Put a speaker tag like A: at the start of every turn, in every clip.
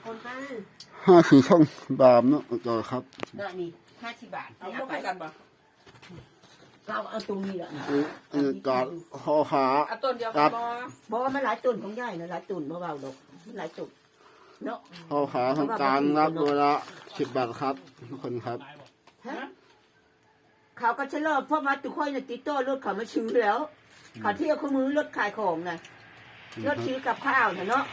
A: คนไป
B: 50 ช่องบามเนาะต่อครับ
A: ก็นี่50 บาท
C: เอาพวกกันบ่
A: เราเอาตรงนี้แหละ
B: การห่อขา
C: เอาต้นเดียวกันบ่
A: บอกว่ามันหลายตุ่นของยายนะหลายตุ่นเบาๆดอกหลายตุ่นเนาะ
B: ห่อขาทางกลางรับเวลา10 บาทครับทุกคนครับ
A: เขาก็จะเลิกเพราะมาตุกค่อยน่ะติดโต้รถเขามาชื่อแล้วเขาเที่ยวเขามือรถขายของน่ะรถซื้อกับข้าวน่ะเนาะ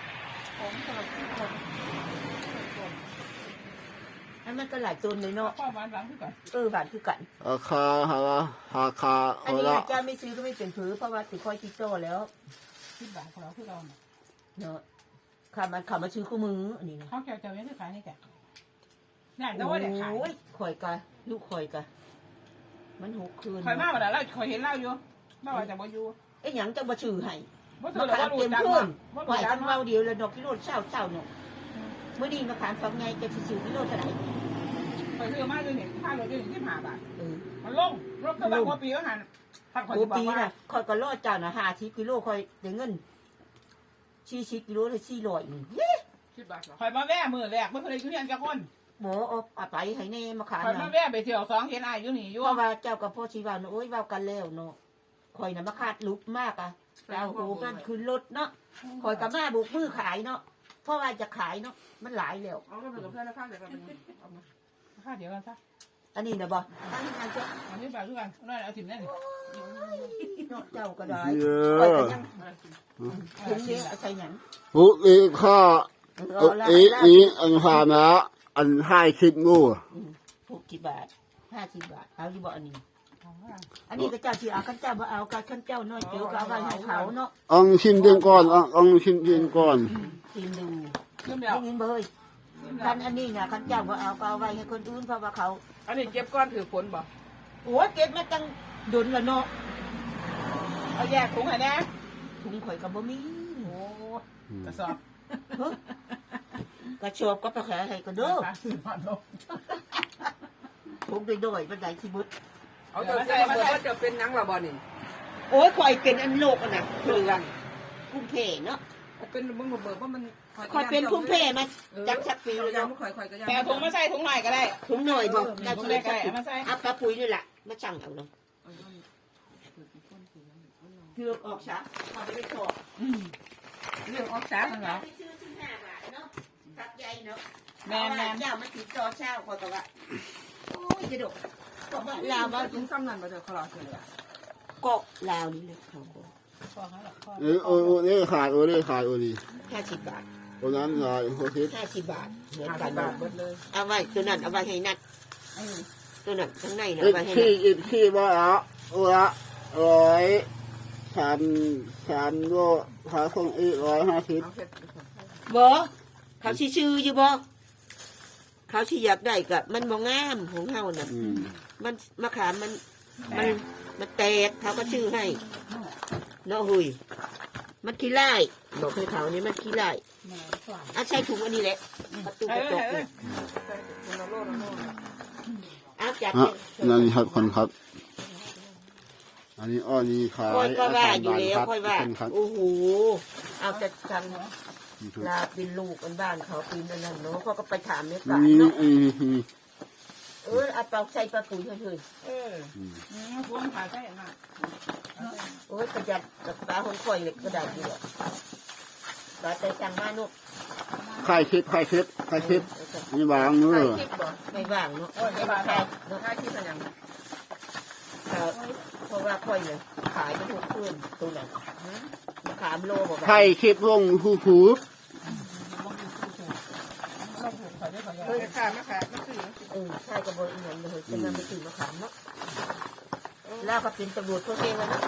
A: อันมันก็หลายตุ่นเลยเนาะ
C: ข้าวหวานหลังคือกัน
A: หวานคือกัน
B: คา
A: อันนี้เจ้าไม่ซื้อก็ไม่เป็นผือเพราะว่าตุกค่อยติดโต้แล้ว
C: 10 บาทของเราคือเรา
A: เนาะเขามาชื่อคู่มืออันนี้นะ
C: ข้าวแกวเจ้าเนี่ยคือขายนี่แกเนี่ยแต่ว่าเด็กขาย
A: ข่อยกะลูกข่อยกะมัน6 คืน
C: ข่อยมาบ่ได้แล้วข่อยเห็นเล่าอยู่บ่ว่าจะบ่อยู่
A: หยังจะบ่ชื่อให้
C: บ่ถือแล้วว่ารู้จักบ่
A: ไหวกันเมาเดียวแล้วดอกกิโลเช้าเนาะมื้อนี้มาขายฟังไงจะซื้อกิโลเท่าไหร่
C: ข่อยซื้อมาอยู่นี่ค่ารถอยู่นี่15 บาทมันลงรถก็บางกว่าปีก็หัน
A: ถ้าข่อยบอกว่าข่อยก็รอเจ้าน่ะ50 กิโลข่อยได้เงิน40 กิโลได้400นี่
C: 10 บาทข่อยมาแว่มื้อแรกบ่เคยอยู่เฮียนจักคน
A: บ่เอาไปให้แน่มาขาย
C: ข่อยมาแว่ไปเที่ยว2เห็นอ้ายอยู่นี่อยู่
A: เพราะว่าเจ้ากับพ่อสิว่าโอ้ยเว้ากันแล้วเนาะข่อยน่ะมาคาดลุกมากอ่ะเอาโหกันขึ้นรถเนาะข่อยก็มาบุกมือขายเนาะเพราะว่าจะขายเนาะมันหลายแล้ว
C: เอาก็เป็นกับเพื่อนราคาเดียวกันเอามาราคาเดียวกันซะ
A: อันนี้น่ะบ่
C: อันนี้แบบคือกันนั่นเอาถิ่มแน่นี่
A: เจ้าก็ได้ข่อยก็ยังถึงนี้เอาใส่หยัง
B: ข้าอันผ่านนะอันให้คิดงู
A: 60 บาท50 บาทเอาอยู่บ่อันนี้ก็เจ้าที่เอาคันเจ้าบ่เอาคันเจ้าน้อยเจียวก็เอาไว้ให้เขาเนาะ
B: ชิมเดือนก่อนชิมเดือนก่อน
A: ชิมดูได้ยินบ่เฮ้ยคันอันนี้น่ะคันเจ้าบ่เอาก็เอาไว้ให้คนอื่นเพราะว่าเขา
C: อันนี้เก็บก้อนถือผลบ่
A: โอ้เก็บมาตั้งดุนละเนาะ
C: เอาแยกถุงให้แน่
A: ถุงข่อยก็บ่มี
C: โอ้กระสอบ
A: กระชอบก็ไปขายให้ก็เด้อถุงด้อยๆบันไดสิบึด
C: เอาจะใส่มาว่าจะเป็นหนังละบ่นี่
A: โอ้ยข่อยเป็นอันโลกอ่ะน่ะคือกันพุ่มเพเนาะ
C: เป็นมึงเบิกว่ามัน
A: ข่อยเป็นพุ่มเพมาจักปีเลยเนาะ
C: แต่ถุงมาใส่ถุงหน่อยก็ได้
A: ถุงหน่อยบ่ได้ถุงได้มาใส่อัปปะปุ๋ยนี่แหละมาสั่งเอาเนาะเลือกออกซะเอาไปขอ
C: เลือกออกซะนั่นเหรอ
A: 15 บาทเนาะตักใหญ่เนาะ
C: แม่
A: เจ้ามาติดต่อเช้าข่อยก็ว่าโอ้ยจะดกก็ว่าลาวว่า
C: ถึงซ้ำนั่นบ่เด้อเขารอเลย
A: ก็ลาวนี่เลยเขาก็
B: นี่ขาดนี่
A: 50 บาท
B: ตัวนั้นหน่อย
A: 50 บาทเหมือนกัน
C: หมดเลย
A: เอาไว้ตัวนั้นเอาไว้ให้นัดตัวนั้นข้างในน่ะ
B: เอาไว้ให้ขี้บ่เอาละ3โลหาของอีก150
A: บ่เขาสิซื้ออยู่บ่เขาสิอยากได้ก็มันบ่งามของเฮาน่ะมันมะขามมันแตกเขาก็ชื่อให้เนาะหุยมันขี้ไล่บอกให้เขานี่มันขี้ไล่ใช้ถุงอันนี้แหละประตูกระจกเนี่ยจับ
B: นั่นครับคนครับอันนี้นี่ขาย
A: ค่อยก็ว่าอยู่แล้วค่อยว่าโอ้โหเอาแต่จังลาเป็นลูกกันบ้านเขาปีนนั่นเนาะเขาก็ไปถามเนี่ยป่าเนาะเอาเปล่าใส่ปลาปุ๋ยเฉย
C: พวงขาใส่มา
A: โอ้ยประหยัดกับปลาคนคอยเหล็กก็ได้ดีเลยปลาใจจังมากนุ๊ก
B: ไข่คิดไม่วางเนอะ
A: ไม่วางเนาะ
C: ไม่วางเนาะไข่คิดอะไรอย่าง
A: เพราะว่าค่อยเลยขายไปทุกคืนตัวนั้นมาขามโลบอก
B: ไข่คิดวงหู
C: เฮ้ยขามาขายมาซื้อ
A: ใช่กระโบยเงินเลยจะนำไปซื้อมาขามเนาะแล้วก็เป็นตำรวจตัวเองนะ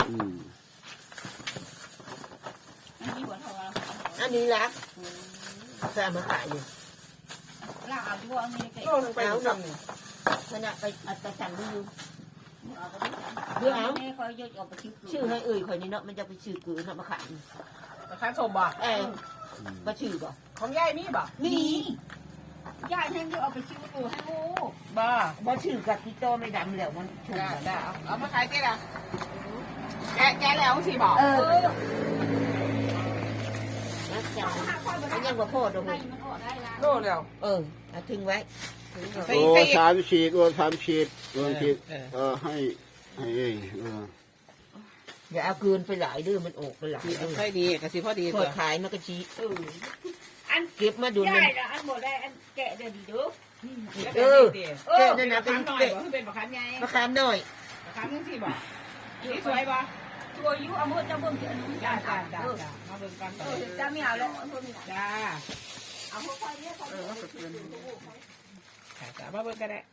A: อันนี้ละจะมาขายอยู่
C: ลาเอาด้วยอันนี้
A: ไปเอาหน่อยขณะไปอัตสั่งดูเดี๋ยวเอาชื่อให้คอยนี่เนาะมันจะไปชื่อกือเนาะมาขาย
C: มาขายสมบ่
A: มาชื่อบ่
C: ของยายมีบ่
A: มี
C: ยายแห้งจะเอาไปชื่อกูให้กู
A: บ่ชื่อกับที่โตไม่ดำแล้วมัน
C: ถูกได้เอามาขายเจ๊ละแกแล้วสิบอก
A: จังมันยังบ่พอดอกเลย
C: โลเดียว
A: เอาทิ้งไว้
C: ใส่
B: โอ้
C: ใส่อีก
B: 3 ฉีดโอ้3 ฉีด3 ฉีด
C: เออ
B: ให้เออ
A: อย่าเอาเกินไปหลายเด้อมันออกไปหลาย
C: ใส่ดีกะสิพอดี
A: พ
C: ตั
A: อ
C: ว
A: ขายมันก็ชี้
D: อัน
A: เก็บมาดู
D: ได้
A: มัน
D: ละอันบ่ได้อันแกะเดี๋ยวดีเด้อ
A: เออ
C: เออนั่นนะเป็นหน่อยบ่เป็นบักคันใหญ่
A: มะขามหน่อย
C: บักคันนึงสิบ่นี่สวยบ่
D: ตัวอยู่เอามือจะเบิ่งที่อันนู้น
C: จ้า
D: จ้า
C: จ้า
D: จ้า
C: จ้าจ้ามาเบิ่งกัน
D: จ้าไม่เอาแล้วอันนู้นนี่
C: จ้า
D: เอาค่อยๆเนี่ยค่อย
C: มาเกินจ้ามาเบิ่งกันได้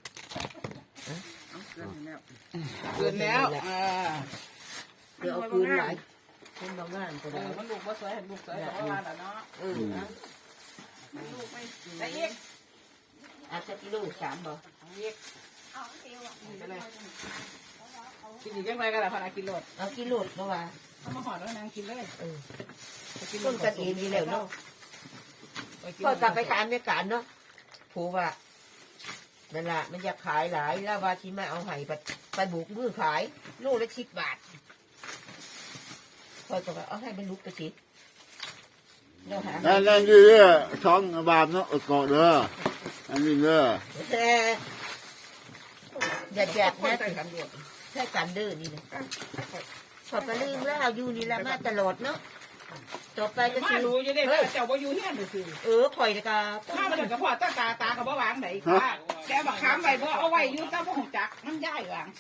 C: เกินแล้ว
A: เดี๋ยวเอาคืนหลายคนบางงานก็ได้
C: มันลูกบ่สวยเห็นลูกสวยแต่ว่าเนาะลูกไม่ได้อีก
A: อาจจะกิโล3บ่
C: อีก
D: เอาเอวอ่ะ
C: เป็นไรกินอีกยังไงกันล่ะพนักกินโลด
A: เอากิโลเมื่อวาน
C: เอามาห่อแล้วนางกินเลย
A: ต้นกันเองนี่แล้วเนาะก็กลับไปขายไม่การเนาะผูว่านั่นแหละมันอยากขายหลายแล้วว่าที่มาเอาไห้ไปบุกมือขายโลละ10 บาทพอจะเอาให้มันลุกไปสิเราหา
B: นั่นอยู่เด้อช่องบาปเนาะอดกอดเด้ออันนี้เด้อ
A: แต่อย่าแจกนะ
C: ใส่กันด่วน
A: ใช่กันเด้อนี่นะขอบกระลืมแล้วอยู่นี่ละมาตลอดเนาะต่อไปก็
C: มา
A: คือ
C: ดูอยู่เด้เจ้าบ่อยู่เฮียนดูสิ
A: ข่อยก็
C: ถ้ามันกับพ่อตากับบ่วางไหนค่ะแต่บักขามไว้บ่เอาไว้อยู่ตาบ่ฮู้จักมันย้ายวางสิ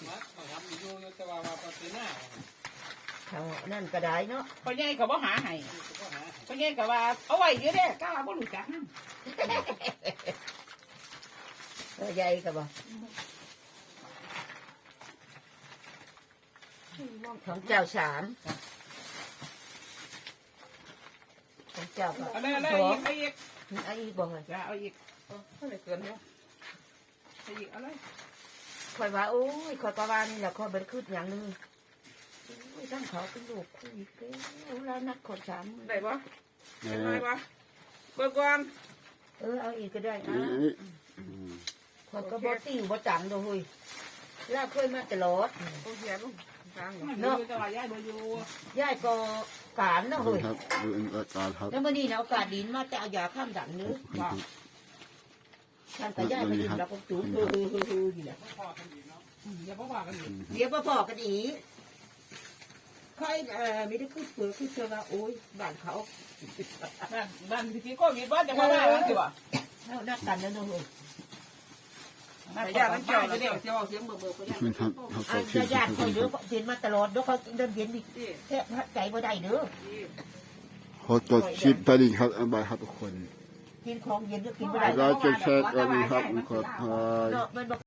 A: เขานั่นก็ได้เนาะ
C: พ่อใหญ่ก็บ่หาให้พ่อใหญ่ก็ว่าเอาไว้อยู่เด้ก้าบ่รู้จักนำ
A: ใหญ่ก็บอกของเจ้า3ของเจ้าก็
C: เอาเลยเอาอีก
A: ไอ้บอกเลย
C: จ้าเอาอีกเท่าไหร่เกินแล้วเอาอีกเอาเลย
A: ข่อยว่าโอ้ยข่อยก็ว่านี่แหละข่อยบ่ได้คิดหยังเลยตั้งเขาเป็นลูกคุยกันแล้วนัดคน3
C: ได้บ่ได้บ่เบิ่งก่อน
A: เอาอีกก็ได้ข่อยก็บ่ติ้วบ่จังดอกเฮ้ยลาเคยมาตลอด
C: โอเคลูกทางเนาะแต่ว่ายายบ่อยู่
A: ยายก็การเนาะเฮ้ย
B: ครับดูอันการครับ
A: แล้วมื้อนี้นะโอกาสดีมาจะเอายาข้ามดันเนื้อว่าท่านก็ยายมากินแล้วก็จุ๊บนี่แหละ
C: อย่าบ่ว่ากันอีก
A: เดี๋ยวพอกันอีกใครไม่ได้คือเผื่อคือเชื่อว่าโอ้ยบ้านเขา
C: บ้านที่โควิดบ่จะมาว่ากันสิบ่
A: แล้วนักกันแล้วเนาะเฮ้ย
C: แต่ย่ามันเจ้าเดี๋ยวเสียงเบิ่งๆก็ย่า
B: มันครับเขา
A: อั
B: ใส่
A: น
B: ชิ้น
A: ญาติคอยเด้อเห็นมาตลอดเด้อเขาเดินเห็นดิแทบใจบ่ได้เด้อ
B: เขาจดชิปตอนนี้ครับอันบายครับทุกคน
A: กินของเย็นก็กินบ่ได้
B: เราจะแชร์กันครับขอทาย
A: เนาะมันบ่